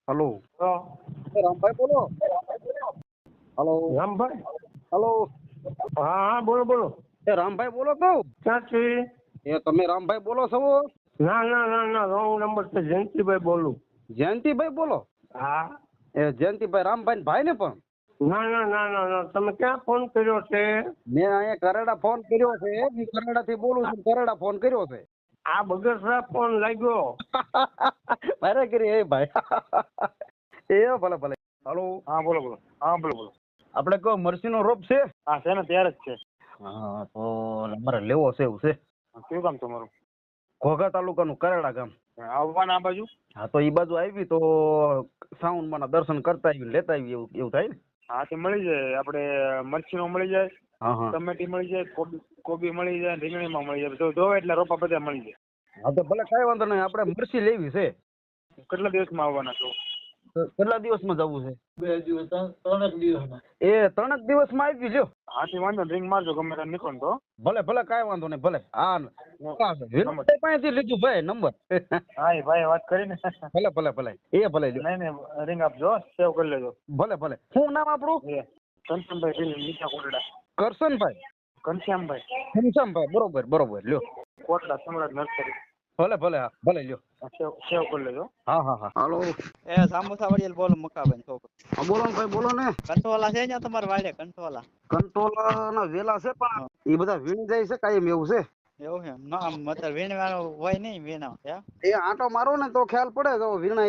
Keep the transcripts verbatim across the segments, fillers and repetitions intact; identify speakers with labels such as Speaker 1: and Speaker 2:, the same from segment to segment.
Speaker 1: Hello.
Speaker 2: તો
Speaker 1: રામભાઈ બોલો. Hello.
Speaker 2: Rambhai,
Speaker 1: hello.
Speaker 2: હા હા બોલો બોલો.
Speaker 1: એ રામભાઈ બોલો તો.
Speaker 2: ક્યાંથી?
Speaker 1: એ તમે રામભાઈ બોલો છો?
Speaker 2: ના ના ના ના રોંગ નંબર છે. જયંતિભાઈ બોલું.
Speaker 1: જયંતિભાઈ બોલો.
Speaker 2: હા.
Speaker 1: એ જયંતિભાઈ રામભાઈ ભાઈ ને પણ.
Speaker 2: ના ના ના ના ના તમે ક્યાં ફોન કર્યો છે?
Speaker 1: મેં અહીંયા કરેડા ફોન કર્યો છે. હું કરેડા થી બોલું છું. કરેડા ફોન કર્યો છે.
Speaker 2: આ બગસરા ફોન લાગ્યો.
Speaker 1: મારે કરી એ ભાઈ. એ ભલે ભલે. હલો.
Speaker 2: હા બોલો બોલો. હા બોલો બોલો.
Speaker 1: આપણે કહો મરસી નો રોપ છે.
Speaker 2: હા છે ને ત્યારે જ છે.
Speaker 1: હા તો અમારે લેવો છે એવું છે.
Speaker 2: કેવું કામ તમારું?
Speaker 1: ઘોઘા તાલુકાનું કરેડા ગામ.
Speaker 2: આવવાના આ બાજુ?
Speaker 1: હા તો એ બાજુ આવી તો સાઉન્ડ માં દર્શન કરતા આવી લેતા આવી એવું એવું થાય ને.
Speaker 2: હા તે મળી જાય. આપણે મરચીનો મળી જાય,
Speaker 1: હા હા.
Speaker 2: ટમેટી મળી જાય, કોબી કોબી મળી જાય, રીંગણીમાં મળી જાય. જો જોવે એટલે રોપા બધા મળી જાય.
Speaker 1: હા તો ભલે કઈ વાંધો નહીં. આપણે મરચી લેવી છે.
Speaker 2: કેટલા દિવસમાં આવવાના છો?
Speaker 1: તો કેટલા દિવસમાં જવું છે? બે દિવસ ત્રણેક દિવસમાં. એ ત્રણેક દિવસમાં આવી લ્યો.
Speaker 2: હાથી વાંધો રિંગ મારજો ગમે ત્યાં નીકળો તો.
Speaker 1: ભલે ભલે કાંઈ વાંધો નહીં. ભલે હા વિનોદભાઈ પાસેથી લીધું ભાઈ નંબર.
Speaker 2: હા એ ભાઈ વાત કરીને.
Speaker 1: ભલે ભલે ભલે એ ભલે લ્યો.
Speaker 2: નહીં નહીં રિંગ આપજો, સેવ કરી લેજો.
Speaker 1: ભલે ભલે. શું નામ આપણું?
Speaker 2: એ ઘનશ્યામભાઈ ઢીલ, નીચા કોટડા.
Speaker 1: કરશનભાઈ.
Speaker 2: ઘનશ્યામભાઈ
Speaker 1: ઘનશ્યામભાઈ બરોબર બરોબર લ્યો.
Speaker 2: કોટડા સમ્રાટ નર્સરી.
Speaker 1: ભલે ભલે હા ભલે લ્યો.
Speaker 2: સેવ સેવ કરી લેજો.
Speaker 1: હા હા હા. હાલો.
Speaker 3: એ સામોસા વડિયેલ બોલો મુકાબેન છોકરો.
Speaker 1: હા બોલો ને ભાઈ બોલો ને.
Speaker 3: કંટોલા છે ને તમારે વાડે કંટોલા?
Speaker 1: કંટોલા ના વેલા છે પણ એ બધા વીણી જાય છે કાયમ એવું છે.
Speaker 3: એવું છે ના આમ મતલબ વીણવાનો હોય નહીં વીણા હે?
Speaker 1: એ આંટો મારો ને તો ખ્યાલ પડે તો વીણાઈ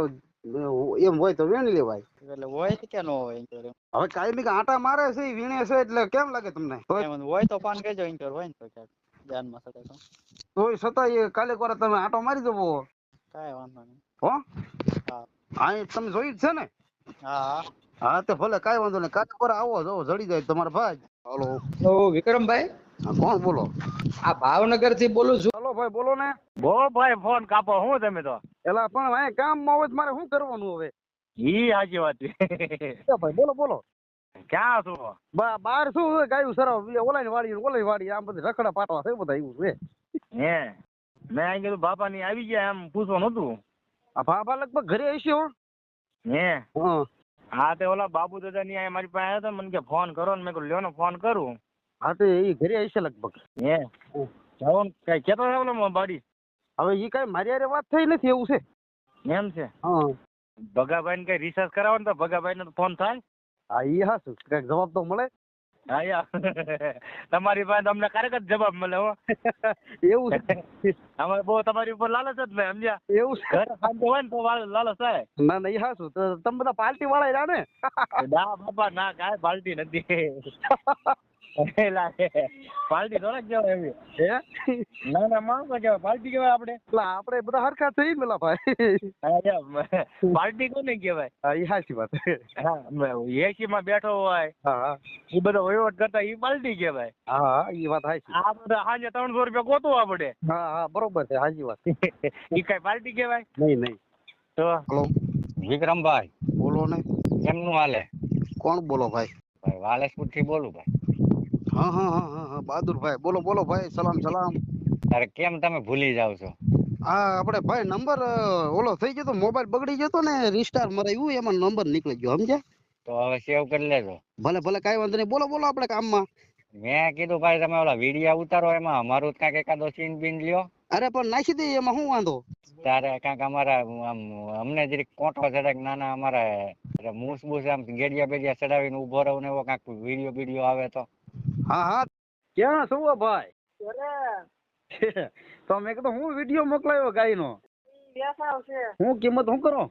Speaker 1: એમ હોય તો વીણી લેવાય.
Speaker 3: એટલે હોય કે ન હોય એમ કરે.
Speaker 1: હવે કાયમી કે આંટા મારે છે ઈ વીણે છે એટલે કેમ લાગે તમને?
Speaker 3: એમ હોય તો ફોન કરજો એમ હોય ને તો ક્યાંક ધ્યાનમાં સડે તો.
Speaker 1: તોય છતાં એ કાલે કોરા તમે આંટો મારી જવો.
Speaker 3: કાંઈ વાંધો નહીં.
Speaker 1: હો
Speaker 3: હા
Speaker 1: હા એ તમે જોઈ જ છે ને?
Speaker 3: હા
Speaker 1: હા તો ભલે કાંઈ વાંધો નહીં. કાલે કોરા આવો જો જડી જાય તમારા ભાઈ. હાલો.
Speaker 4: તો વિક્રમભાઈ,
Speaker 1: હા કોણ બોલો?
Speaker 4: આ ભાવનગર થી બોલું છું.
Speaker 1: હાલો ભાઈ બોલો ને.
Speaker 2: બો ભાઈ ફોન કાપો હું તમે તો.
Speaker 1: એલા પણ અહીંયા કામમાં હોય તો મારે શું કરવાનું હવે?
Speaker 2: ઈ સાચી વાત છે.
Speaker 1: એ ભાઈ બોલો બોલો.
Speaker 2: ક્યાં છો?
Speaker 1: બા બાર શું હોય ગાયું સરાવ ઓલાની વાડી ઓલાની વાડી આમ બધી રખડા પાટવા છે બધા એવું છે.
Speaker 2: હે મેં અહીં કીધું બાપા ની આવી ગયા એમ પૂછવાનું હતું.
Speaker 1: આ ભાભા લગભગ ઘરે હશે હો.
Speaker 2: હે
Speaker 1: હા
Speaker 2: હા તે ઓલા બાબુ દાદા ની અહીંયા મારી પાસે આવ્યા હતા મને કે ફોન કરો ને મેં કહ્યું લ્યો ને ફોન કરું.
Speaker 1: હા તો એ ઘરે હશે લગભગ.
Speaker 2: હે જાઓ ને કઈ કેતો હતો બાડી.
Speaker 1: હવે એ કઈ મારી હારે વાત થઈ નથી એવું છે.
Speaker 2: એમ છે.
Speaker 1: હા
Speaker 2: ભગાભાઈ ને કઈ રિસર્ચ કરાવો ને તો ભગાભાઈ નો ફોન થાય.
Speaker 1: હા એ હાશું કઈક જવાબ તો મળે.
Speaker 2: હા યાર તમારી પાસે અમને ક્યારેક જ જવાબ મળે હો.
Speaker 1: એવું છે.
Speaker 2: અમારે બહુ તમારી ઉપર લાલચ જ નહીં સમજ્યા.
Speaker 1: એવું છે.
Speaker 2: ઘરે શાંતિ હોય ને તો લાલચ થાય.
Speaker 1: ના ના એ હાશું તો તમે બધા પાર્ટી વાળા રહ્યા ને.
Speaker 2: ના બાપા ના કાંઈ પાર્ટી નથી. પાર્ટી થોડાક કહેવાય એવી.
Speaker 1: હે
Speaker 2: ના ના માણસો કહેવાય પાર્ટી કહેવાય આપણે.
Speaker 1: એટલે આપણે બધા હરખા થઈ મેલા ભાઈ.
Speaker 2: પાર્ટી કોને કહેવાય?
Speaker 1: હા એ હાચી વાત.
Speaker 2: હા એસી માં બેઠો હોય
Speaker 1: હા
Speaker 2: એ બધો વહીવટ કરતા એ પાર્ટી કહેવાય.
Speaker 1: હા હા એ વાત હાચી.
Speaker 2: આ બધા સાંજે ત્રણસો રૂપિયા ગોતવા પડે.
Speaker 1: હા હા બરોબર છે હાચી વાત.
Speaker 2: એ કઈ પાર્ટી કહેવાય?
Speaker 1: નહીં નહીં.
Speaker 2: તો
Speaker 1: હલો
Speaker 5: વિક્રમભાઈ
Speaker 1: બોલો ને.
Speaker 5: કેમનું હાલે?
Speaker 1: કોણ બોલો ભાઈ?
Speaker 5: ભાઈ વાલેસપુર થી બોલું ભાઈ.
Speaker 1: હા હા હા હા હા બહાદુરભાઈ બોલો બોલો ભાઈ. સલામ સલામ.
Speaker 5: અરે કેમ તમે ભૂલી જાવ છો?
Speaker 1: હા આપણે ભાઈ નંબર ઓલો થઈ ગયો તો મોબાઈલ બગડી ગયો તો ને રિસ્ટાર મરાયું એમાં નંબર નીકળી ગયો સમજ્યા?
Speaker 5: તો હવે સેવ કરી લેજો.
Speaker 1: ભલે ભલે કાંઈ વાંધો નહીં. બોલો બોલો આપણે કામમાં.
Speaker 5: મેં કીધું ભાઈ તમે ઓલા વિડીયા ઉતારો એમાં અમારું કાંઈક એકાદો સીન બીન લ્યો.
Speaker 1: અરે પણ નાખી દઈએ એમાં શું વાંધો?
Speaker 5: ત્યારે કાંઈક અમારા આમ અમને જરીક કોઠો ચડાક નાના અમારે મૂસ બૂસ આમ ગેડિયા બેડિયા ચડાવીને ઉભો રહું ને એવો કાંઈક વિડીયો બીડીયો આવે તો.
Speaker 1: હા હા ક્યાં શું ભાઈ? તો મેં કીધું હું વિડીયો મોકલાયો ગાયનો. હું કિંમત શું કરો?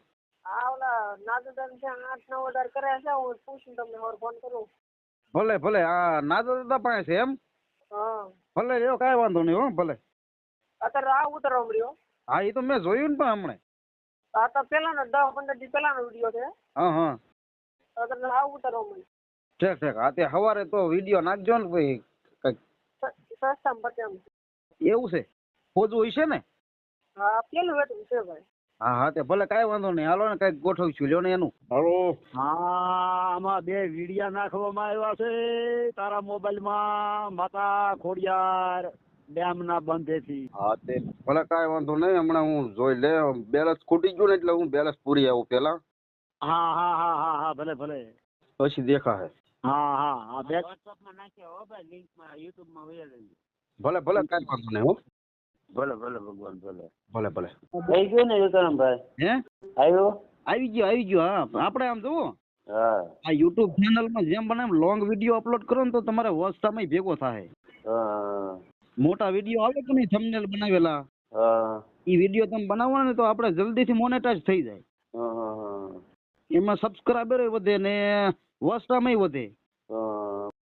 Speaker 1: ભલે ભલે આ નાદા દાદા પાસે છે એમ? ભલે એવો કાંઈ વાંધો નહીં હો ભલે.
Speaker 6: અત્યારે આ ઉતરવા મળ્યો.
Speaker 1: હા એ તો મેં જોયું ને પણ હમણે.
Speaker 6: આ તો પેલાનો દસ પંદર દી પેલાનો વિડીયો છે.
Speaker 1: હા હા
Speaker 6: અત્યારે આ ઉતરવા મળ્યો.
Speaker 1: ઠીક ઠીક. હા તે સવારે તો વિડીયો નાખજો ને ભાઈ કંઈક.
Speaker 6: સસ્તામાં પતે એમ.
Speaker 1: એવું છે? ખોજું હશે ને?
Speaker 6: હા પેલું વેટું છે ભાઈ.
Speaker 1: હા હા તે ભલે કાંઈ વાંધો નહીં. હાલો ને કંઈક ગોઠવીશું લ્યો ને એનું. હાલો
Speaker 2: હા આમાં બે વિડિયા નાખવામાં આવ્યા છે તારા મોબાઈલ માં માતા ખોડિયાર
Speaker 7: ડેમ ના બંધેથી.
Speaker 1: હા તે ભલે કાંઈ વાંધો નહીં, હમણાં હું જોઈ લે. બેલેન્સ ખૂટી ગયું ને એટલે હું બેલેન્સ પૂરી આવું પેલા,
Speaker 7: હા હા હા હા હા ભલે ભલે.
Speaker 1: પછી દેખાશે.
Speaker 7: હા હા હા બે
Speaker 2: વોટ્સઅપમાં નાખ્યા હો ભાઈ, લિંકમાં યુટ્યુબમાં વહી લેજો.
Speaker 1: ભલે ભલે કાંઈ વાંધો નહીં હો.
Speaker 2: ભલે ભલે ભગવાન ભલે.
Speaker 1: ભલે ભલે.
Speaker 2: થઈ ગયું ને વિક્રમભાઈ?
Speaker 1: હે
Speaker 2: આવ્યો?
Speaker 1: આવી ગયો આવી ગયો. હા આપણે આમ જુઓ,
Speaker 2: હા
Speaker 1: આ યુટ્યુબ ચેનલમાં જેમ બને એમ લોંગ વિડીયો અપલોડ કરો ને તો તમારે વોચ ટાઈમ ભેગો થાય.
Speaker 2: હા
Speaker 1: મોટા વિડીયો આવે કે નહીં થંબનેલ બનાવેલા,
Speaker 2: હા
Speaker 1: એ વિડીયો તમે બનાવો ને તો આપણે જલ્દીથી મોનેટાઈઝ થઈ જાય.
Speaker 2: હા હા
Speaker 1: એમાં સબસ્ક્રાઈબર વધે ને વોચ ટાઈમ વધે.